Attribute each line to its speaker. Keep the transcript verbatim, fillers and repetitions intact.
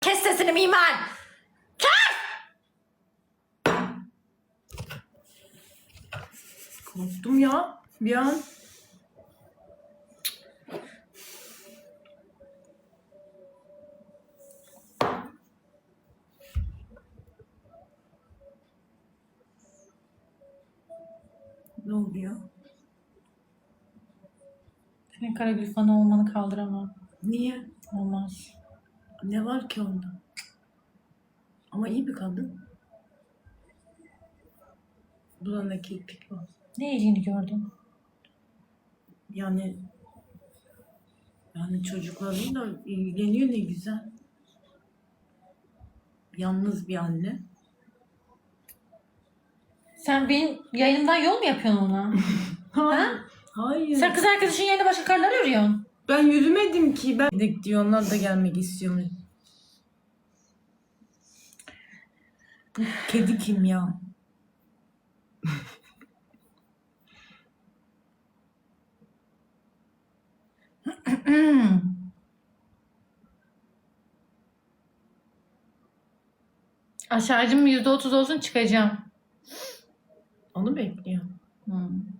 Speaker 1: Kes sesini Mimar. Kes!
Speaker 2: Korktum ya bir an. Ne oluyor?
Speaker 1: Senin Karagül fanı olmanı kaldıramam.
Speaker 2: Niye?
Speaker 1: Olmaz.
Speaker 2: Ne var ki onda? Ama iyi bir kadın. Dudağında kirpik var.
Speaker 1: Ne iyiliğini gördün?
Speaker 2: Yani yani çocuklarıyla ilgileniyor, ne güzel. Yalnız bir anne.
Speaker 1: Sen benim yayınımdan yol mu yapıyorsun ona? Ha?
Speaker 2: Hayır.
Speaker 1: Sen kız arkadaşın yerine başka karılar arıyorsun.
Speaker 2: Ben yürümedim ki. Ben de diyor, onlar da gelmek istiyormuş. Bu kedi kim ya?
Speaker 1: Şarjım yüzde otuz olsun, çıkacağım.
Speaker 2: Onu bekliyor.
Speaker 1: Hmm.